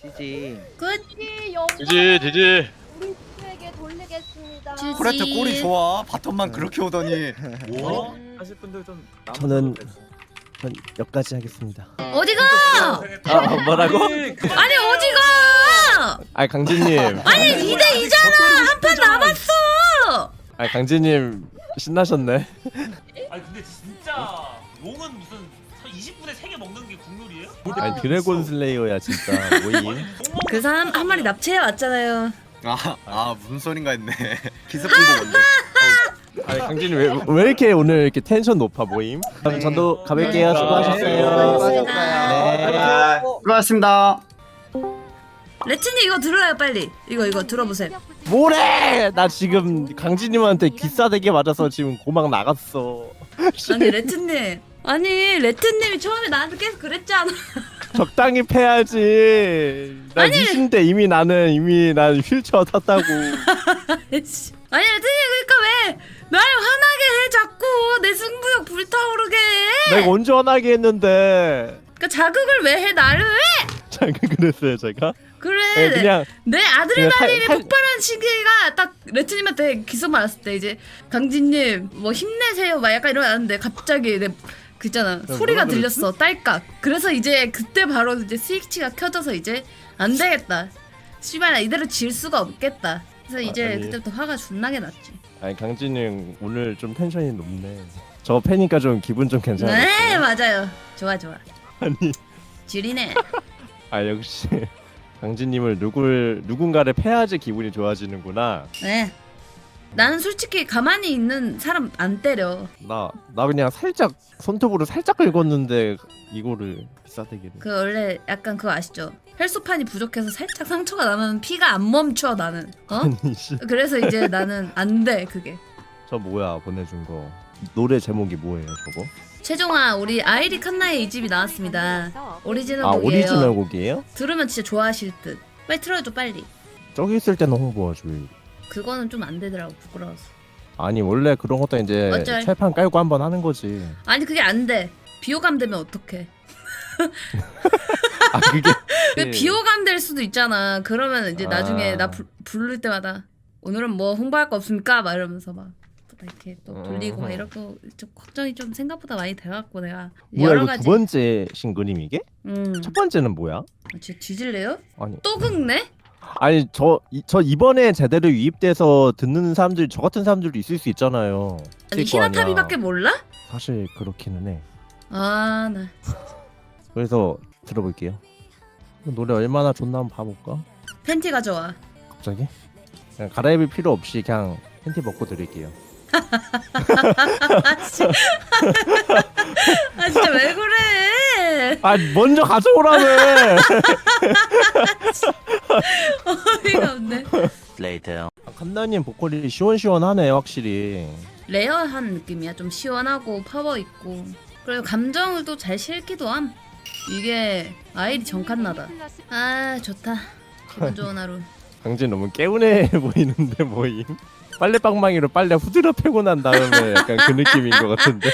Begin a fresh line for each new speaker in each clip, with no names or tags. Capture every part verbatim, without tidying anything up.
지지.
그지 영광
지지 지지.
우리 팀에게 돌리겠습니다.
지지.
코레트 꼴이 좋아. 바텀만 그렇게 오더니.
뭐?
하실 분들 좀
저는 전 여기까지 하겠습니다.
어디가?
아 뭐라고?
아니 어디가?
아 강진님.
아니 이 대 이잖아. 한 판 남았어.
아 강진님 신나셨네.
아니 근데 진짜 롱은 무슨 이십 분에 세 개 먹는 게 국룰이에요?
아니 드래곤 슬레이어야 진짜 모임.
그 사람 한 마리 납치해 왔잖아요.
아, 아 무슨 소린가 했네. 기습공도 뭔데?
아니 강진님 왜, 왜 이렇게 오늘 이렇게 텐션 높아 모임? 그럼 전도 가볼게요. 수고하셨어요. 네.
수고하셨습니다.
레트님 이거 들어요 빨리. 이거 이거 들어보세요.
뭐래? 나 지금 강진님한테 귀싸대게 맞아서 지금 고막 나갔어.
아니 레트님. 아니 레트님이 처음에 나한테 계속 그랬잖아.
적당히 패야지. 나
아니.
미신데 이미 나는 이미 난 휠체어 탔다고.
아니 레트님 그러니까 왜 날 화나게 해 자꾸 내 승부욕 불타오르게 해.
내가 언제 화나게 했는데.
그러니까 자극을 왜 해 나를 왜?
자극을 했어요 제가?
그래
네, 그냥
내
그냥
아드레날린이
살- 살-
폭발한 시기가 딱 레트님한테 기소 말았을 때 이제 강진님 뭐 힘내세요 막 약간 이러는데 갑자기 내 그 있잖아 소리가
뭐라 그랬지?
들렸어 딸깍. 그래서 이제 그때 바로 이제 스위치가 켜져서 이제 안 되겠다 씨발 이대로 질 수가 없겠다. 그래서 이제
아니.
그때부터 화가 존나게 났지.
아니 강진님 오늘 좀 텐션이 높네. 저 패니까 좀 기분 좀 괜찮아.
네 맞아요. 좋아 좋아.
아니
지리네.
아 역시 강진님을 누굴 누군가를 패야지 기분이 좋아지는구나.
네. 나는 솔직히 가만히 있는 사람 안 때려.
나 나 그냥 살짝 손톱으로 살짝 긁었는데 이거를 비싸대기를.
그 원래 약간 그거 아시죠? 혈소판이 부족해서 살짝 상처가 나면 피가 안 멈춰 나는. 어?
아니 씨.
그래서 이제 나는 안 돼 그게.
저 뭐야 보내준 거. 노래 제목이 뭐예요 저거?
최종아 우리 아이리 칸나의 이 집이 나왔습니다. 오리지널
아
곡이에요.
오리지널 곡이에요?
들으면 진짜 좋아하실 듯. 빨리 틀어줘 빨리.
저기 있을 때는 홍보하죠.
그거는 좀 안 되더라고 부끄러워서.
아니 원래 그런 것도 이제
어쩔.
철판 깔고 한번 하는 거지.
아니 그게 안 돼. 비호감 되면 어떡해.
아 그게
왜 비호감 될 수도 있잖아. 그러면 이제
아.
나중에 나 부, 부를 때마다 오늘은 뭐 홍보할 거 없습니까? 막 이러면서 막 이렇게 또 돌리고 막 이러고 좀 걱정이 좀 생각보다 많이 돼갖고 내가
뭐야
여러
이거
가지.
두 번째 싱글임 이게?
음.
첫 번째는 뭐야?
쟤 뒤질래요?
아니
또 긁네?
아니 저 이, 저 이번에 제대로 유입돼서 듣는 사람들 저 같은 사람들도 있을 수 있잖아요.
아니
있을 거 아니야.
히나타비밖에 몰라?
사실 그렇기는 해.
아 나
그래서 들어볼게요. 노래 얼마나 좋나 한번 봐볼까?
팬티 가져와.
갑자기? 그냥 갈아입을 필요 없이 그냥 팬티 벗고 드릴게요.
아 진짜, 아, 진짜 왜 그래?
아 먼저 가져오라며.
어이가 없네.
아, 칸나님 보컬이 시원시원하네 확실히.
레어한 느낌이야. 좀 시원하고 파워 있고. 그리고 감정을 또 잘 실기도 함. 이게 아이리 정칸나다. 아 좋다. 기분 좋은 하루.
강진 너무 개운해 보이는데 뭐임? 빨래방망이로 빨래 후드려 패고 난 다음에 약간 그 느낌인 것 같은데.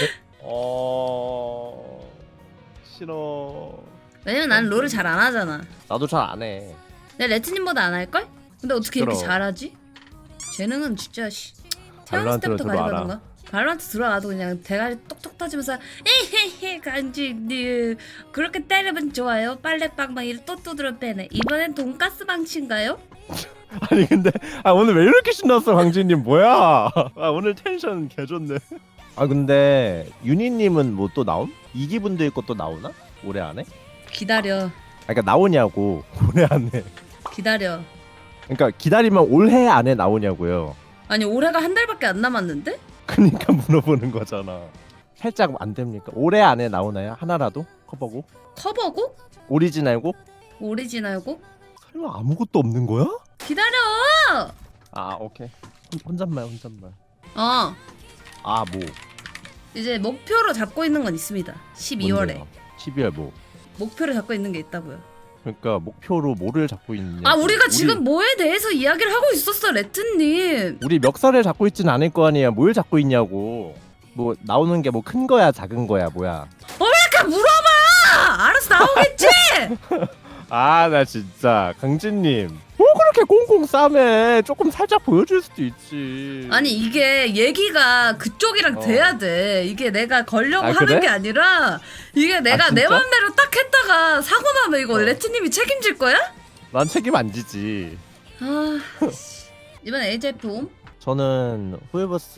어 싫어.
왜냐면 난 롤을 잘 안 하잖아.
나도 잘 안 해.
내가 레트님보다 안 할걸? 근데 어떻게 이렇게
시끄러워.
잘하지? 재능은 진짜 씨. 태어났을
발로란트로
때부터
들어와라.
가지고 있는 거야? 발로란트 들어와도 그냥 대가리 똑똑 터지면서 에헤헤 간지님 그렇게 때리면 좋아요. 빨래방망이를 또 두드려 빼네. 이번엔 돈가스 방치인가요?
아니 근데 아 오늘 왜 이렇게 신났어 강진님 뭐야? 아 오늘 텐션 개 좋네. 아 근데 윤희님은 뭐 또 나옴? 이기분들 것도 나오나? 올해 안에?
기다려.
아 그러니까 나오냐고 올해 안에.
기다려.
그러니까 기다리면 올해 안에 나오냐고요.
아니 올해가 한 달밖에 안 남았는데?
그러니까 물어보는 거잖아. 살짝 안 됩니까? 올해 안에 나오나요? 하나라도 커버곡?
커버곡?
오리지널곡?
오리지널곡?
설마 아무것도 없는 거야?
기다려!
아 오케이. 혼- 혼잣말 혼잣말.
어
아 뭐?
이제 목표로 잡고 있는 건 있습니다. 십이월에
뭔데요? 십이월 뭐?
목표를 잡고 있는 게 있다고요.
그러니까 목표로 뭐를 잡고 있냐?
아 우리가 지금 뭐에 대해서 이야기를 하고 있었어 레트님.
우리 멱살을 잡고 있진 않을 거 아니야. 뭘 잡고 있냐고. 뭐 나오는 게 뭐 큰 거야 작은 거야 뭐야?
어 왜 이렇게 물어봐! 알아서 나오겠지.
아 나 진짜 강진님 뭐 그렇게 꽁꽁 싸매. 조금 살짝 보여줄 수도 있지.
아니 이게 얘기가 그쪽이랑
어.
돼야 돼. 이게 내가 걸려고
아,
하는
그래?
게 아니라 이게 내가
아,
내
진짜?
맘대로 딱 했다가 사고 나면 이거
어.
레트님이 책임질 거야?
난 책임 안 지지.
아 씨. 이번 에이제이에프 옴?
저는 호에버스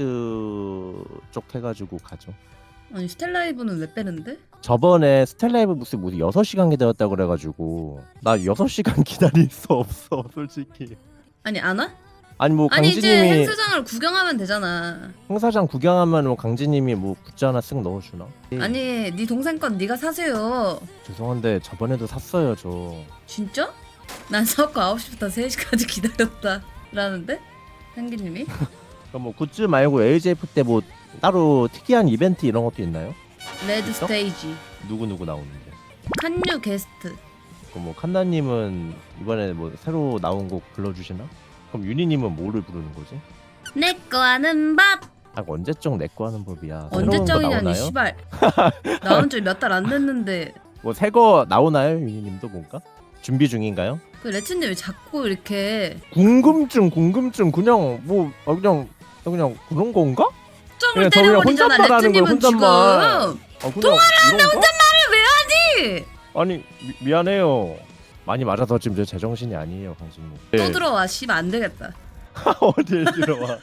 쪽 해가지고 가죠.
아니 스텔라이브는 왜 빼는데?
저번에 스텔라이브 무슨 무슨 여섯 시간 기다렸다고 그래가지고 나 여섯 시간 기다릴 수 없어 솔직히.
아니 안 와?
아니 뭐
아니 이제
강진님이
행사장을 구경하면 되잖아.
행사장 구경하면 뭐 강진님이 뭐 굿즈 하나 쓱 넣어주나?
아니 네 동생 건 네가 사세요.
죄송한데 저번에도 샀어요 저.
진짜? 난 사고 아홉 시부터 세 시까지 기다렸다 라는데? 한기님이?
그럼 뭐 굿즈 말고 에이제이에프 때 뭐 따로 특이한 이벤트 이런 것도 있나요?
레드
있어?
스테이지
누구 누구 나오는데?
칸유 게스트.
그럼 뭐 칸나님은 이번에 뭐 새로 나온 곡 불러주시나? 그럼 유니님은 뭐를 부르는 거지?
내꺼 하는 밥.
아 언제적 내거 하는 법이야. 새로운 거
언제적이냐니
나오나요?
씨발. 나온 지 몇 달 안 됐는데.
뭐 새 거 나오나요 유니님도 뭔가? 준비 중인가요?
그 레츠님 왜 자꾸 이렇게
궁금증 궁금증 그냥 뭐 아, 그냥 그냥 그런 건가?
점을
그냥 저 그냥
때려버리잖아
혼잣말 하는 거야,
레츠님은 지금.
혼잣말. 아, 통화를 하는데
아니
아니 미, 미안해요. 많이 맞아서 지금 저 제정신이 아니에요 강진님.
또 들어와 씨발 안 되겠다.
어딜 들어와?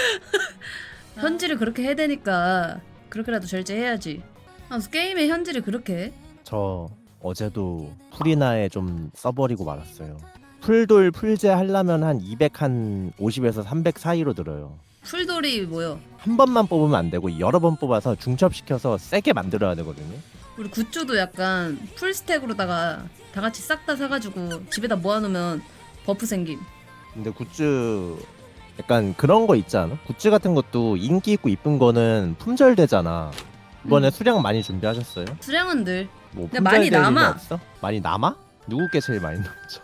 현질을 그렇게 해야 되니까 그렇게라도 절제해야지. 아, 게임의 현질을 그렇게 해?
저 어제도 풀이나에 좀 써버리고 말았어요. 풀돌 풀제 하려면 한 이백오십에서 삼백 사이로 들어요.
풀돌이 뭐요?
한 번만 뽑으면 안 되고 여러 번 뽑아서 중첩시켜서 세게 만들어야 되거든요.
우리 굿즈도 약간 풀스택으로다가 다 같이 싹 다 사가지고 집에다 모아놓으면 버프 생김.
근데 굿즈 약간 그런 거 있지 않아? 굿즈 같은 것도 인기 있고 이쁜 거는 품절되잖아. 이번에
음.
수량 많이 준비하셨어요?
수량은 늘.
뭐
근데 많이
품절될 일이
남아.
없어? 많이 남아? 누구 게 제일 많이 남죠?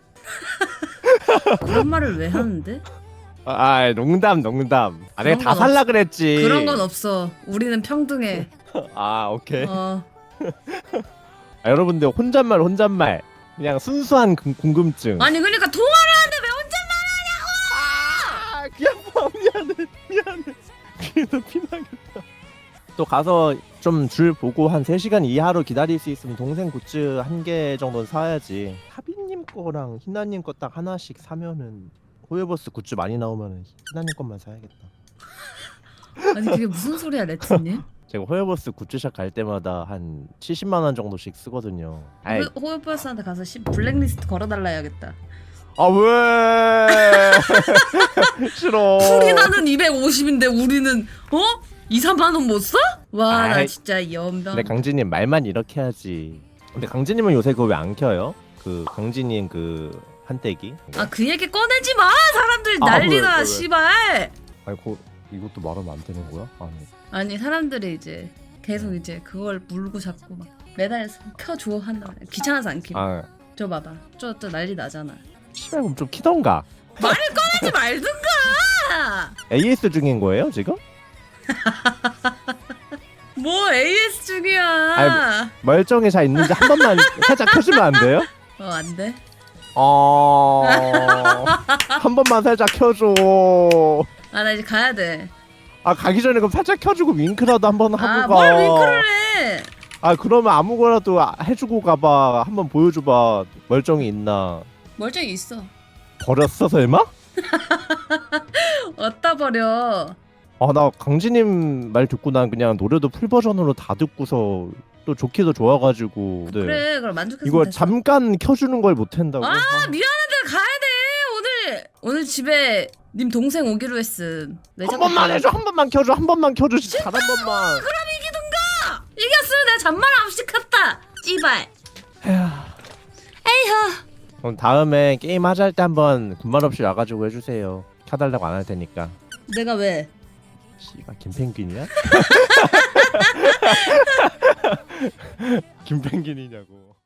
그런 말을 왜 하는데?
아, 아 농담 농담. 아 내가
그런
다
건
살라 그랬지.
그런 건 없어. 우리는 평등해.
아 오케이.
어.
아, 여러분들 혼잣말 혼잣말 그냥 순수한 궁- 궁금증.
아니 그러니까 통화를 하는데 왜 혼자
아, 미안해 미안해 귀에서 피나겠다. 또 가서 좀 줄 보고 한 세 시간 이하로 기다릴 수 있으면 동생 굿즈 한 개 정도는 사야지. 하빈님 거랑 희나님 거 딱 하나씩 사면은 호요버스 굿즈 많이 나오면은 희나님 것만 사야겠다.
아니 그게 무슨 소리야 레츠님?
제가 호요버스 굿즈샵 갈 때마다 한 칠십만 원 정도씩 쓰거든요. 아이,
호요버스한테 가서 씨 블랙리스트 걸어달라 해야겠다.
아 왜? 싫어.
풀이 나는 이백오십인데 우리는 어? 이, 삼만 원 못 써? 와 나
아이,
진짜 연병.
근데 강진님 말만 이렇게 하지. 근데 강진님은 요새 그거 왜 안 켜요? 그 강진님 그 한때기.
아 그 얘기 꺼내지 마. 사람들
아,
난리나
왜, 왜, 왜?
씨발.
아니 그 이것도 말하면 안 되는 거야? 아니.
아니 사람들이 이제 계속 이제 그걸 물고 잡고 막 매달려서 켜줘 한다. 귀찮아서 안 켜.
아
저 봐봐. 저 저 난리 나잖아.
씨발 그럼 좀 키던가.
하지 말든가.
에이에스 중인 거예요 지금?
뭐 에이에스 중이야.
아이, 멀쩡히 잘 있는지 한 번만 살짝 켜주면 안 돼요?
어 안 돼.
어... 한 번만 살짝 켜줘.
아 나 이제 가야 돼.
아 가기 전에 그럼 살짝 켜주고 윙크라도 한번 하고 가.
아뭘 윙크를 해.
아 그러면 아무거나도 해주고 가봐. 한번 보여줘봐. 멀쩡히 있나.
멀쩡히 있어.
버렸어 설마?
어디다 버려.
아 나 강진님 말 듣고 난 그냥 노래도 풀 버전으로 다 듣고서 또 좋기도 좋아가지고. 네.
그래 그럼 만족했으면
이거
됐어.
잠깐 켜주는 걸 못한다고?
아 미안한데 가야 돼 오늘. 오늘 집에 님 동생 오기로 했음. 왜
한
자꾸
번만
그래?
해줘. 한 번만 켜줘. 한 번만 켜줘. 진짜 단 한 번만.
그럼 이기든가. 이겼으면 내가 잔말 없이 갔다. 찌발. 에이허.
그럼 다음에 게임 하자 할 때 한번 군말 없이 와가지고 해주세요. 켜달라고 안 할 테니까.
내가 왜?
씨발 김펭귄이야? 김펭귄이냐고.